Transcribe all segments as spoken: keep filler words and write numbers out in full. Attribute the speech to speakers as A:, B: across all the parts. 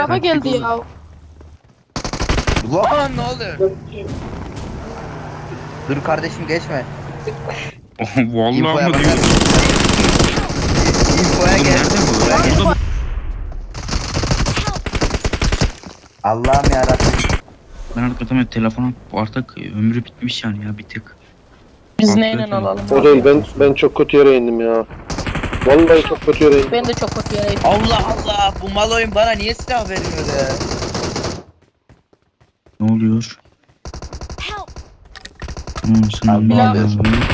A: Araba geldi ya.
B: Lan ne oluyor? Dur kardeşim geçme.
C: Vallahi
B: İnfoya
C: mı
B: bakar
C: diyorsun?
B: mısın? İnfoya
C: Oğlum
B: gel.
C: nerede bu?
B: Buraya gel.
C: Burada mı?
B: Allah'ım yarabbim.
C: Ben arkadaşım telefon artık ömrü bitmiş yani ya bir tık.
A: Biz
C: Patlıyor
A: neyle
C: telefon.
A: alalım?
D: O değil, ben ben çok kötü yere indim ya. Vallahi çok kötü yere indim.
A: Ben de çok kötü yere
B: Allah Allah bu mal oyun bana niye silah vermiyor ya?
C: Ne oluyor? Hmm, sınav ne
B: Allah.
C: oluyor?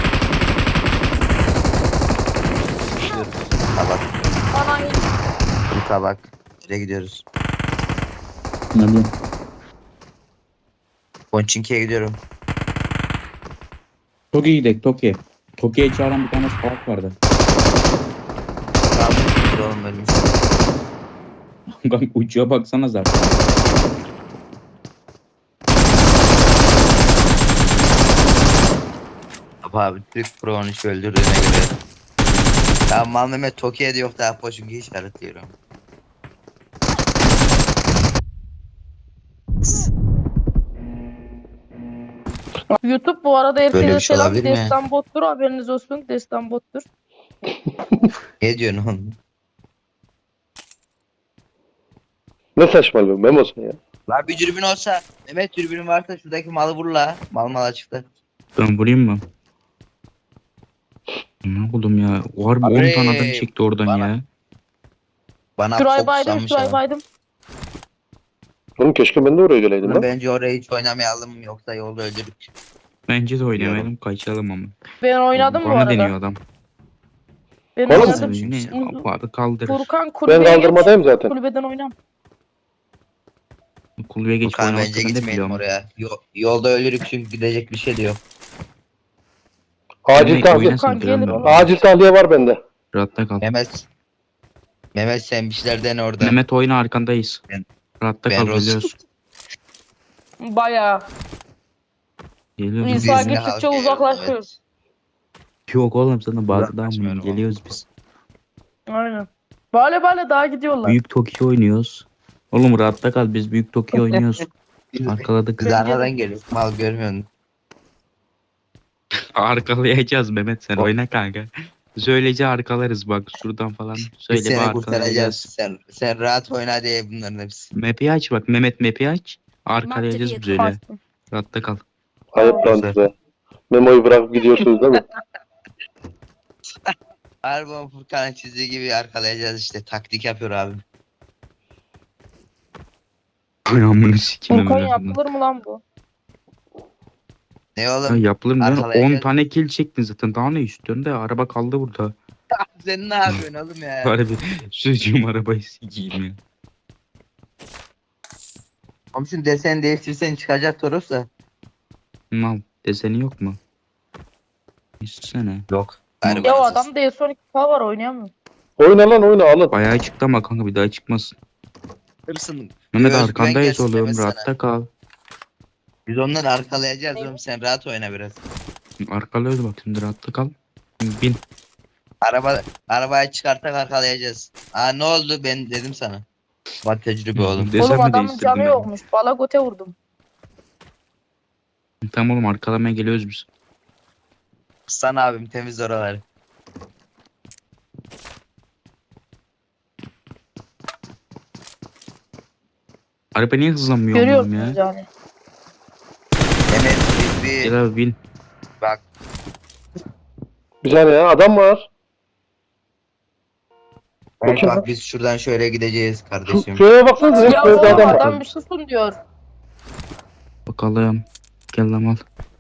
B: Tabak.
A: Bana
B: Bu tabak. Nereye gidiyoruz?
C: Hadi.
B: Ponçinki'ye gidiyorum.
C: Toki'ye gidelim Toki. Toki'ye çağıran bir tane salak vardı.
B: Tamam. Dur oğlum ölmüş.
C: Kanka uçuğa baksana zaten.
B: Abi Türk Pro on üç öldürdüğüne göre. Tamam mal Mehmet Tokyo'da yok daha Ponçinki'yi işaretliyorum.
A: YouTube bu arada
B: Böyle
A: herkese
B: bir şey
A: selam.
B: olabilir mi?
A: Destan bottur, haberiniz olsun. Destan bottur.
B: Ne diyorsun oğlum?
D: Ne saçmalıyorsun Memo sen ya.
B: La bir dürbün olsa Mehmet dürbünün varsa şuradaki malı vur la. Mal mal açıkta.
C: Ben vurayım mı? Ne buldum ya? Var mı on
B: Abi,
C: tane adam çekti oradan
B: bana-
C: ya.
B: Bana
A: Şurayı baydım,
B: fokuslanmış
A: şurayı
B: adam.
A: baydım.
D: Oğlum keşke ben de oraya geleydim lan.
B: Bence oraya hiç oynamayalım yoksa yolda öldürürük.
C: Bence de oynamayalım kaçalım ama.
A: Ben oynadım bu
C: Bana
A: arada.
C: deniyor adam.
A: Ben
D: Oğlum,
A: oynadım.
C: Ne?
A: Şimdi
C: Abi kaldırır.
A: Furkan
D: Ben
A: kulübeye geç.
D: kaldırmadayım zaten.
A: Kulübeden oynam.
C: Kulübe geç
B: Furkan
C: oynamak
B: bence
C: hakkında
B: gitmeyelim
C: biliyorum.
B: oraya. Yo- yolda ölürük çünkü gidecek bir şey de yok.
D: Acil
C: Ne,
D: tahliye.
C: oynasın
A: Furkan
C: falan
A: gelir
C: böyle.
A: oğlum.
D: Acil tahliye var bende.
C: Rahatta kal.
B: Mehmet. Mehmet sen bir şeyler dene orada.
C: Mehmet oyna arkandayız.
B: Ben-
C: Rahatta
B: ben
C: kal
B: Rus-
C: geliyoruz.
A: Bayağı.
C: Geliyoruz.
A: Biz-
C: biz.
A: İnsan
B: Bizimle
A: gittikçe
B: halk
A: uzaklaşıyoruz.
C: Yok oğlum sana bazı daha
B: Uzaklaşmayalım.
C: geliyoruz biz.
A: Aynen. Böyle böyle daha gidiyorlar.
C: Büyük Tokyo oynuyoruz. Oğlum rahatta kal biz Büyük Tokyo oynuyoruz.
B: Biz-
C: Arkaladık.
B: Kız arkadan geliyor. Mal görmüyor musun?
C: Arkalayacağız Mehmet sen oyna kanka. Söylece arkalarız bak şuradan falan.
B: Biz
C: Söyle bir
B: seni kurtaracağız.
C: arkalayacağız.
B: Sen, sen rahat oyna diye bunların hepsi.
C: Map'i aç bak Mehmet map'i aç. Arkalayacağız biz öyle.
A: Bastım.
C: Rahatta kal.
D: Ayıp lan
B: Güzel.
D: size. Memo'yu bırakıp gidiyorsunuz değil mi?
B: Harbon Furkan'ın çizdiği gibi arkalayacağız işte. Taktik yapıyor abim.
C: Ayağımını sikeyim
A: Furkan
C: Mehmet.
A: yapılır mı lan bu?
B: Ne
C: Ya
B: oğlum?
C: yapılır mı?
B: Arkalayacağız.
C: on tane kill çektin zaten. Daha ne istiyorsun da araba kaldı burada.
B: Sen ne yapıyorsun oğlum ya?
C: Bari bir çocuğum arabayı sikeyim ya.
B: Komşun desen değiştirsen çıkacak Toros'la.
C: Mal deseni yok mu? İstesene.
B: Yok.
A: Ya o adam da son iki K var oynayamıyor.
D: Oyna lan oyna alın.
C: Bayağı çıktı ama kanka bir daha çıkmasın.
B: Hırsın.
C: Mehmet
B: Özgüven
C: arkandayız
B: gelsin
C: oğlum
B: demesene.
C: rahatta kal.
B: Biz onları arkalayacağız oğlum sen rahat oyna biraz.
C: Arkalıyoruz bak şimdi rahatta kal. Bin.
B: Araba arabayı çıkartarak arkalayacağız. Aa ne oldu ben dedim sana. Bak tecrübe oğlum.
C: Desen
A: Oğlum
C: mi
A: adamın
C: değiştirdin
A: canı
C: ben?
A: yokmuş. Bala göte vurdum.
C: Tamam oğlum arkalamaya geliyoruz biz.
B: Sana abim temiz oraları.
C: Araba niye hızlanmıyor oğlum ya?
A: Görüyorsunuz yani.
B: Mehmet biz bir
C: Gel abi bin.
B: bak
D: Bir saniye ya adam var.
B: bak,
D: Bakayım.
B: bak biz şuradan şöyle gideceğiz
D: Şu,
B: kardeşim.
D: şuraya baksanıza.
A: Ya
D: Hep böyle
A: oğlum
D: adam
A: adam
D: var.
A: bir susun diyor.
C: Bakalım. Gel lan al.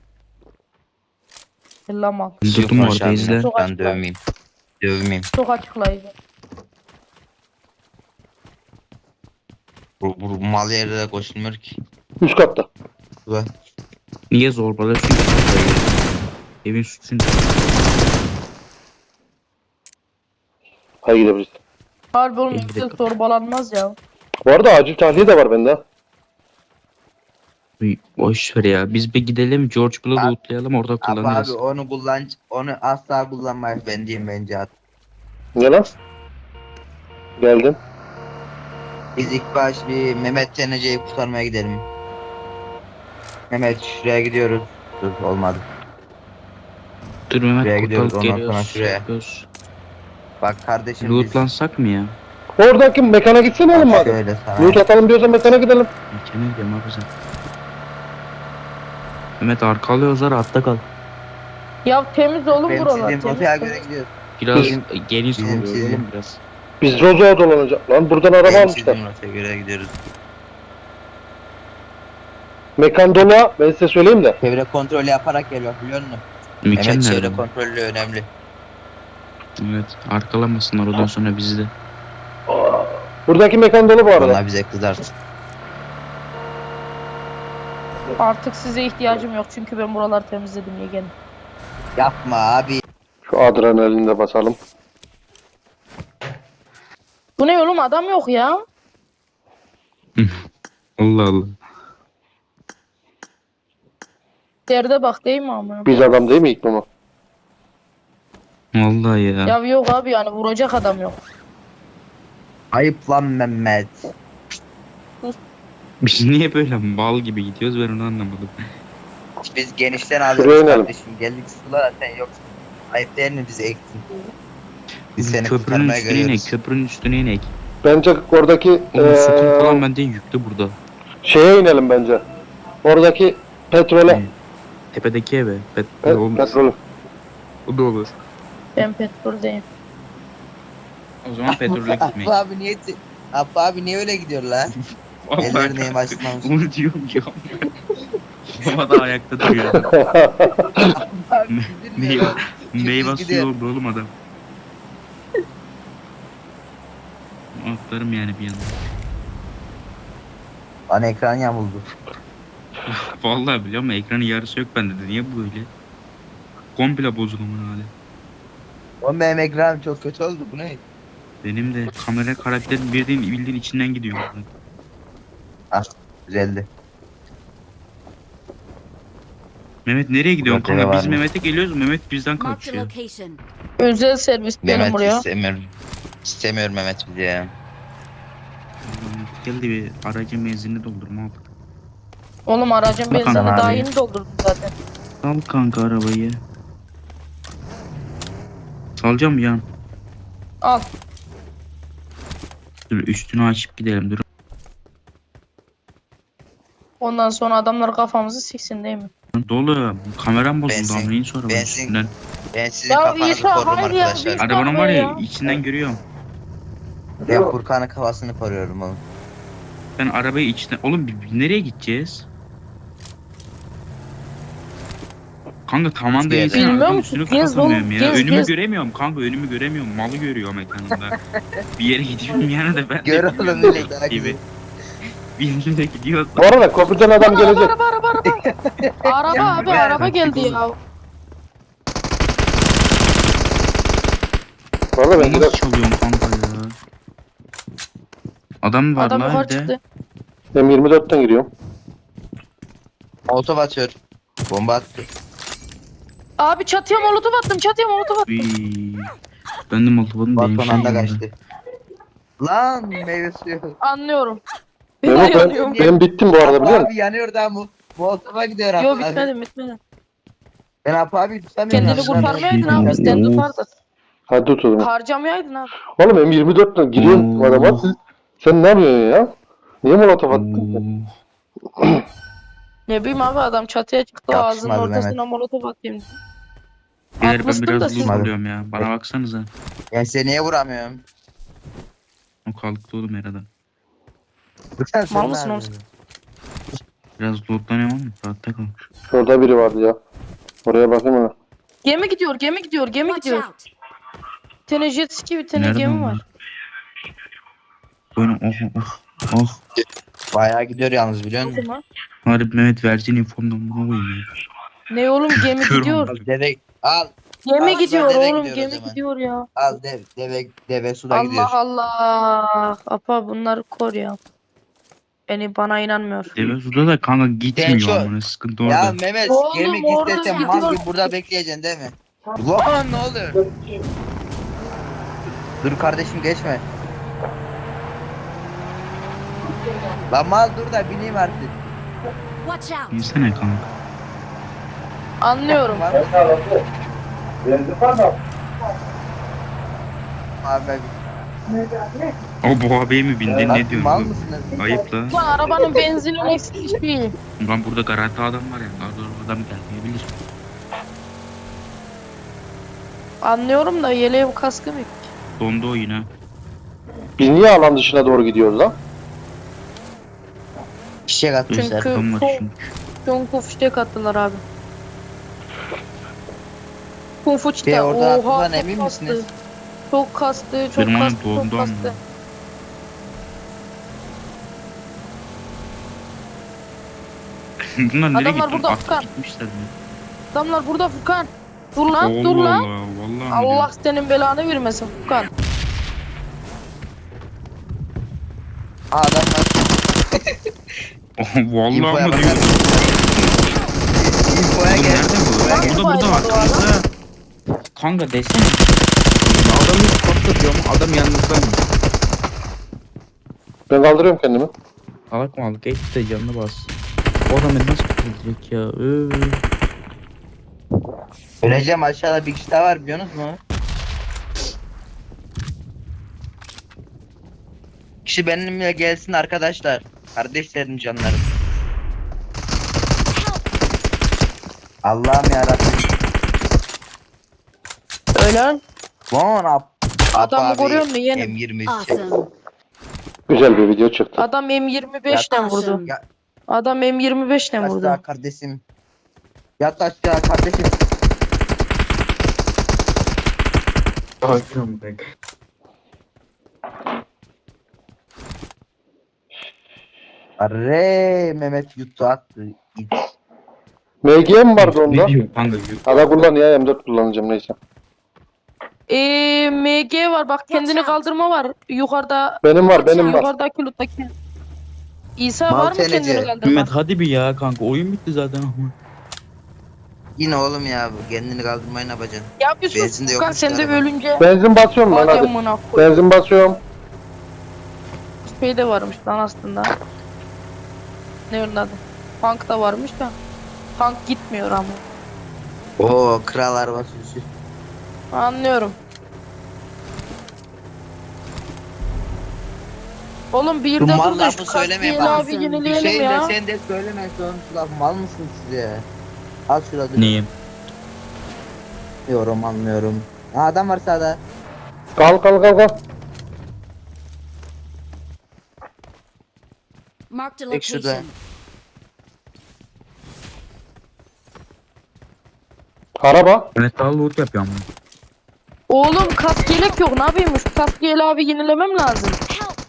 A: Lamal.
C: Durdum
B: Yok
C: orada
B: aşağı
C: izle.
B: bin, Ben dövmeyeyim. Dövmeyeyim.
A: Çok açıklayıcı.
B: Bu, bu mal yerde de koşulmuyor ki.
D: Üst katta.
B: Bu.
C: Niye zorbalıyorsun ki? Evin sütünü.
D: Hadi gidebiliriz.
A: Harbi oğlum
C: elli
A: yüksek
C: dakika.
A: zorbalanmaz ya.
D: Bu arada acil tahliye de var bende. ha.
C: Uy, boş ver ya. Biz bir gidelim George Bull'u
B: Abi-
C: lootlayalım orada
B: Abi,
C: kullanırız.
B: abi onu kullan onu asla kullanmayız ben diyeyim bence at.
D: Ne lan? Geldim.
B: Biz ilk baş bir Mehmet Tenece'yi kurtarmaya gidelim. Mehmet şuraya gidiyoruz. Dur olmadı.
C: Dur
B: Şuraya
C: Mehmet
B: gidiyoruz,
C: kurtarıp
B: ondan sonra
C: geliyoruz.
B: şuraya.
C: Gidiyoruz.
B: Bak kardeşim biz.
C: Lootlansak mı ya?
D: Oradaki mekana gitsene oğlum
B: Bak
D: madem.
B: şöyle sana.
D: Loot atalım diyorsan mekana gidelim.
C: Mekana gidiyorum abi sen. Mehmet arka alıyoruz ha, rahatta kal.
A: Ya temiz oğlum
B: Benim
A: buralar.
B: sizin
A: Temiz.
B: rotaya göre gidiyoruz.
C: Biraz
D: Bizim-
C: geniş
B: bizim
C: oluyor
B: sizin-
C: oğlum biraz.
D: Biz Rozo'ya dolanacak lan. Buradan araba
B: Benim
D: almışlar.
B: sizin rotaya göre gidiyoruz.
D: Mekan dolu ha. Ben size söyleyeyim de.
B: Çevre kontrolü yaparak geliyor biliyor musun?
C: Mekan
B: Evet çevre
C: nerede?
B: kontrolü önemli.
C: Evet, arkalamasınlar ondan sonra bizi de.
D: Buradaki mekan dolu bu arada.
B: Onlar bize kızarsın.
A: Artık size ihtiyacım yok çünkü ben buraları temizledim yeğenim.
B: Yapma abi.
D: Şu adrenalini de basalım.
A: Bu ne oğlum, adam yok ya.
C: Allah Allah.
A: Derde bak değil mi amına?
D: Biz adam değil mi ilk mama?
C: Vallahi ya.
A: Ya yok abi, yani vuracak adam yok.
B: Ayıp lan Mehmet.
C: Biz niye böyle mal gibi gidiyoruz, ben onu anlamadım.
B: Biz genişten
D: Şuraya
B: alıyoruz
D: inelim.
B: kardeşim. Geldik sulara sen yoksun. Ayıp değil mi bizi ektin? Biz seni
C: Köprünün
B: kurtarmaya
C: üstüne inek,
B: geliyoruz.
C: köprünün üstüne inek.
D: Bence oradaki
C: Oğlum sukun
D: eee
C: falan bende yüklü burada.
D: şeye inelim bence. Oradaki petrole.
C: Tepedeki eve. Pet
D: Pe-
C: olmaz.
D: petrolü.
C: O da olur.
A: Ben petroldeyim.
C: O zaman petrole gitmek.
B: Abba abi niye Abba abi niye öyle gidiyor la? Ellerini yamaçlamış.
C: Bunu diyorum ya. Baba da ayakta duruyor.
B: Abi
C: Meyve,
B: bilmiyorum.
C: meyve
B: gidiyor.
C: suyu oldu oğlum adam. Atlarım yani bir yandan.
B: Bana ekran yamuldu.
C: Vallahi biliyor musun, ekranın yarısı yok bende de. Niye bu böyle? Komple bozuk aman hali.
B: Oğlum benim ekranım çok kötü oldu bu ne?
C: Benim de kamera karakterin bildiğin, bildiğin içinden gidiyor.
B: Güzeldi.
C: Mehmet nereye gidiyorsun
B: Zaten
C: kanka?
B: var
C: Biz
B: mı?
C: Mehmet'e geliyoruz, Mehmet bizden
E: Marked a
C: kaçıyor.
E: location.
A: Özel servis benim
B: Mehmet
A: buraya.
B: istemiyorum. İstemiyorum Mehmet bizi ya.
C: Mehmet geldi, bir aracın benzinini doldurma al.
A: Oğlum aracın
C: Bakan
A: benzinini daha
B: abi.
A: yeni doldurdum zaten.
C: Sal kanka arabayı. Salacağım yan.
A: Al.
C: Dur üstünü açıp gidelim dur.
A: Ondan sonra adamlar kafamızı siksin değil mi?
C: Dolu. Kameram bozuldu
B: Benzin-
C: ama neyin sonra bunun
B: benzin-
C: üstünden.
B: Ben sizin
A: Ya
B: kafanızı
A: İsa,
B: korurum
A: hayır ya,
B: arkadaşlar.
A: biz-
C: Arabanın var ya,
A: ya.
C: içinden görüyorum.
B: Ben Furkan'ın kafasını koruyorum oğlum.
C: Ben arabayı içinden... Oğlum bi- bi- nereye gideceğiz? Kanka tamam da
B: Bilmiyorum
C: insan arabanın
A: musun?
C: üstünü
A: Gez
C: kapatamıyorum
A: oğlum,
C: ya.
A: gez,
C: önümü
A: gez.
C: göremiyorum kanka, önümü göremiyorum. Malı görüyorum ekranımda. Bir yere gidiyorum yani de ben de
B: Gör
C: gidiyorum
B: oğlum öyle
C: bok
B: daha
C: gibi.
B: güzel.
C: Bir yere gidiyoruz.
D: Bu arada köprüden adam
A: Araba
D: gelecek.
A: araba araba araba. Araba abi,
B: Ya,
A: araba geldi ya.
D: Bu arada ben
C: Nasıl
D: de
C: çalıyorum kanka ya? Adam var
A: Adam
C: lan
A: yukarı
C: evde.
A: çıktı.
D: M yirmi dörtten giriyorum.
B: Molotov atıyor. Bomba attı.
A: Abi çatıya molotof attım, çatıya molotof attım.
C: Uy. Ben de Molotof'un benim
B: Balkon anda
C: şeyim
B: kaçtı. Lan meyve suyu.
A: Anlıyorum. Ben
D: Memo ben,
A: yanıyorum.
D: ben bittim bu arada biliyor musun?
B: Abi yanıyor da mu? Molotov'a gidiyor abi.
A: Yo bitmedi bitmedi.
B: Ben Apo abi tutamıyorum.
A: Kendini
B: abi.
A: kurtarmayaydın abi, bizden tutardın.
D: Hadi tut o zaman.
A: Harcamayaydın abi.
D: Oğlum M yirmi dörtten giriyorum
C: Oo.
D: adama. Siz- Sen ne yapıyorsun ya? Niye molotof attın?
C: Oo.
A: Ne bileyim abi, adam çatıya çıktı, ağzının
B: Yakışmadı
A: ortasına molotof atayım.
C: Beyler ben
A: Atmıştım da
C: biraz
A: siz-
C: loot alıyorum ya. Bana baksanıza.
B: Ben seni niye vuramıyorum?
C: O kalktı oğlum herhalde.
A: Mal mısın oğlum?
C: Biraz lootlanıyorum ama rahatta kal.
D: Şurada biri vardı ya. Oraya bakayım ona.
A: Gemi gidiyor, gemi gidiyor, gemi
E: Watch
A: gidiyor.
E: out.
A: Bir tane jet ski, bir tane
C: Nerede
A: gemi
C: onlar?
A: var.
C: Böyle oh oh oh.
B: Bayağı gidiyor yalnız biliyor musun?
A: Bakın lan.
C: Harbi Mehmet versin infondan buna koyayım ya.
A: Ne oğlum, gemi
C: Kör
A: gidiyor.
C: oldum.
B: Deve al
A: Gemi
B: Al,
A: gidiyor
B: deve
A: oğlum,
B: gidiyor o
A: gemi
B: zaman.
A: gidiyor ya.
B: al dev deve deve suda gidiyor.
A: Allah Allah. Apa bunları kor ya. Beni bana inanmıyor.
C: Deve suda da kanka gitmiyor
B: şu-
C: amına, sıkıntı
B: Ya
C: orada.
B: Mehmet
A: Oğlum,
B: gemi
A: orada
B: gitsen
A: gidiyor.
B: mal gibi burada bekleyeceksin değil mi? Lan ne oluyor? Dur kardeşim geçme. Lan mal dur da bineyim artık.
E: Watch out!
C: İnsene kanka.
A: Anlıyorum.
B: Var mı? Abi
C: O bu abiye mi bindin ne
B: lan mal
C: diyorsun?
B: mısınız?
C: Ayıp la.
A: Lan arabanın benzinin eksik değil.
C: Lan burada garanti adam var ya. Daha doğru adam gelmeyebilir.
A: Anlıyorum da yeleğim kaskım yok.
C: Dondu o yine.
D: Biz niye alan dışına doğru gidiyoruz lan?
B: Çiçek atmışlar.
A: Çünkü
C: Adam var
A: çok
C: çünkü.
A: kung fu fişek attılar abi. Kung fu
B: Şey,
A: çita.
B: orada
A: Oha
B: attılar,
A: çok
B: emin
A: kastı.
B: misiniz?
A: Çok kastı, çok
C: Benim
A: kastı,
C: onun
A: çok
C: dondu
A: kastı.
C: ama. Bunlar nereye
A: Adamlar
C: gitti?
A: burada,
C: Atıp
A: Furkan.
C: gitmişler mi?
A: Adamlar burada Furkan. Dur lan,
C: Allah
A: dur lan.
C: Allah. Vallahi
A: Allah senin belanı vermesin Furkan.
B: Aa, adamlar
C: Vallahi
B: infoya
C: mı
B: bakar
C: diyorsun?
B: infoya
C: Oğlum
B: gel.
C: nerede bu?
B: infoya
A: Hangi
B: gel.
C: Burada burada
A: bayrağı bu
C: arkamızda. Kanka desene. Ya adam hiç patlatıyor ama adam yanınızdaymış.
D: Ben kaldırıyorum kendimi.
C: Alak mı alak et de canına bas. O adam beni nasıl kurtaracak ya? Ööö.
B: Öleceğim, aşağıda bir kişi daha var biliyorsunuz mu? Kişi benimle gelsin arkadaşlar. Kardeşlerim, canlarım. Allah'ım yarabbim.
A: Ölen.
B: Lan ap.
A: Adamı
B: abi,
A: görüyor musun yeğenim?
B: M yirmi üç.
E: Awesome!
D: Güzel bir video çıktı.
A: Adam M yirmi beş'ten vurdu.
E: Awesome!
B: Ya
A: Adam M yirmi beş'ten vurdu.
B: aşağı kardeşim. Yat aşağı kardeşim.
C: Hakim be.
B: Arre Mehmet yuttu attı. İt.
D: M G mi vardı onda?
C: Ne diyor kanka?
D: Ada kullan ya, M dört kullanacağım neyse.
A: Eee M G var bak, kendini
E: Watch out.
A: kaldırma var. Yukarıda,
D: Benim var, benim var.
A: yukarıdaki loottaki. İsa
B: Mal
A: var mı
B: tenece.
A: kendini kaldırma?
C: Mehmet hadi bir ya kanka oyun bitti zaten ama.
B: Yine oğlum ya bu kendini kaldırmayı ne yapacaksın?
A: Ya Yusuf
B: Benzin de
A: Furkan
B: yokmuş
A: sen de
B: araba.
A: ölünce.
D: Benzin basıyorum lan
A: Hadi
D: hadi.
A: amına koy.
D: Benzin basıyorum.
A: Şey de varmış lan aslında. Ne onun adı? Tank da varmış da. Tank gitmiyor ama.
B: Oo kral araba sürüsü.
A: Anlıyorum. Oğlum bir
B: Şu
A: de
B: mal
A: dur
B: lafı
A: şu
B: söylemeyin
A: kastiğini
B: bana.
A: abi
E: Bir
B: Bir
A: yenileyelim
B: şey de
A: ya.
B: sen de söyleme sonuç laf. Mal mısınız siz ya? Al şurada dur.
C: Neyim?
B: Anlıyorum anlıyorum. Ha, adam var sağda.
D: Kal kal kal kal.
E: Marked a
B: Tek şurada.
E: location.
D: Araba.
C: Mehmet daha loot yapıyor ama.
A: Oğlum kask yelek yok, ne yapayım? Şu kask yeleği abi yenilemem lazım.
E: Help!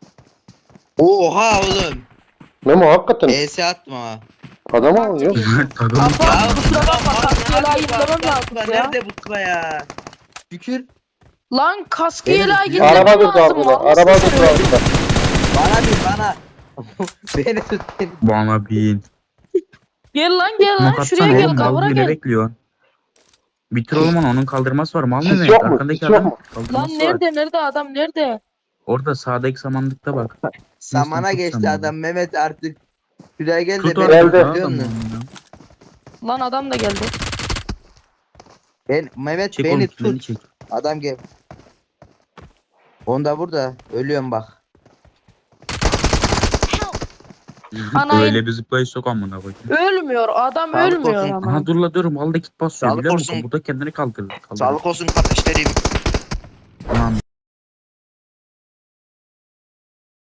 B: Oha oğlum.
D: Memo hakikaten.
B: E S attım ama.
D: Adam alıyor.
C: Mehmet takım.
A: Apa
B: Ya,
A: kusura bakma,
B: ya,
A: kask
B: ya,
A: yeleği
B: ya,
A: yenilemem
B: ya,
A: lazım ya.
B: Nerede bu sıra ya? Şükür.
A: Lan kask
B: Benim-
A: yeleği
B: Araba
A: yenilemem
D: Araba durdu
A: lazım.
D: arkada.
A: mal
D: Araba
A: mısın
D: durdu
A: sen?
D: arkada.
B: Bana bir bana. Beni tut. beni.
C: Bana bin.
A: Gel lan gel lan
C: Smoke
A: şuraya
C: atsana
A: gel,
C: oğlum. Mal
A: kavura
C: ne
A: gel.
C: bekliyorsun? Bitir oğlum onu, onun kaldırması var. Mal
D: Sis
C: Mehmet.
D: yok mu?
C: Arkandaki
D: Sis yok
C: adam
D: mu?
A: Lan
C: kaldırması var.
A: nerede nerede adam nerede?
C: Orada sağdaki samanlıkta bak.
B: Samana
C: tut
B: geçti
C: samanı.
B: adam Mehmet artık. Şuraya gel de
C: Tut
B: beni
C: orada
D: Geldi.
B: tutuyor
C: adam
B: musun?
C: ya.
A: Lan adam da geldi.
B: Ben, Mehmet
C: Çek
B: beni
C: oğlum freni
B: tut.
C: çek.
B: Adam gel. Onda burada. Ölüyorum bak.
A: Anayı-
C: Öyle bir zıplayış sok amına koyayım.
A: Ölmüyor adam,
B: Sağlık
A: ölmüyor
B: olsun.
A: ama.
C: Aha dur la dur, mal da kit basıyor
B: Sağlık
C: biliyor musun?
B: olsun.
C: Bu da kendini kaldırır. kaldırır.
B: Sağlık olsun kardeşlerim.